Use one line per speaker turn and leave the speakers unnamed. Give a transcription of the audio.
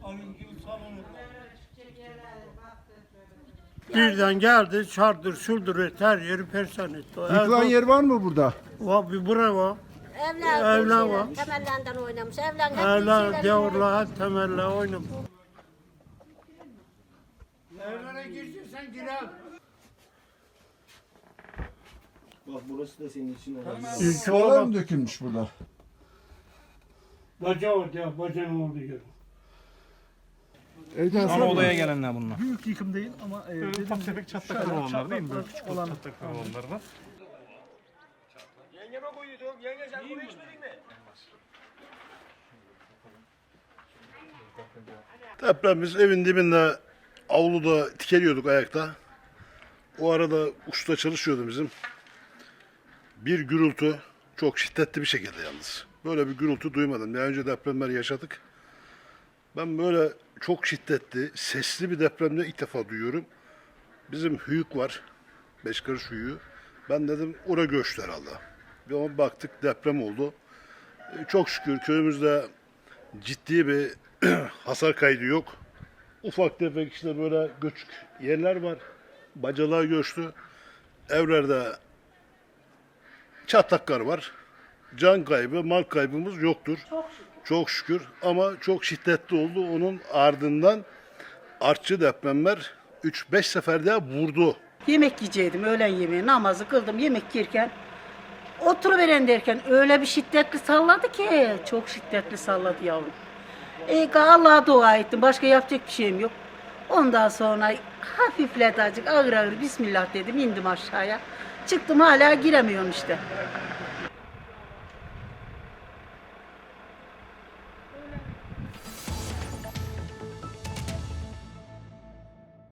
Birden geldi, çardır, şurdur etti, her yeri perişan etti.
Yıkılan yer var mı burada?
Var, bir bura var.
Evler
var.
temellerinden oynamış. Evler hep
Evler, gavurlar, hep temeller oynamış. Evlere gireceksen girer.
Bak burası da senin için herhalde.
Sıvalar mı dökülmüş burada?
Baca orada ya, bacanın olduğu yer.
Ana odaya gelenler bunlar.
Büyük yıkım değil ama
Ufak tefek çatlaklar olanlar değil mi? Böyle küçük
olan
çatlaklar olanlar var.
Yengeme koyuyordum. Yenge sen bunu içmedin mi?
Depremimiz evin dibinde avluda tikeliyorduk ayakta. O arada usta çalışıyordu bizim. Bir gürültü çok şiddetli bir şekilde yalnız. Böyle bir gürültü duymadım. Daha önce depremler yaşadık. Ben böyle çok şiddetli, sesli bir depremde ilk defa duyuyorum. Bizim hüyük var. 5 karış hüyüğü. Ben dedim oraya göçtü herhalde. Bir ona baktık deprem oldu. Çok şükür köyümüzde ciddi bir hasar kaydı yok. Ufak tefek işte böyle göçük yerler var. Bacalar göçtü. Evlerde çatlaklar var. Can kaybı, mal kaybımız yoktur. Çok şükür. Ama çok şiddetli oldu. Onun ardından artçı depremler 3-5 seferde vurdu.
Yemek yiyecektim, öğlen yemeği, namazı kıldım, yemek yerken oturuveren derken öyle bir şiddetli salladı ki, çok şiddetli salladı yavrum. Allah'a dua ettim, başka yapacak bir şeyim yok. Ondan sonra hafifledi azıcık, ağır ağır Bismillah dedim, indim aşağıya. Çıktım hala giremiyorum işte.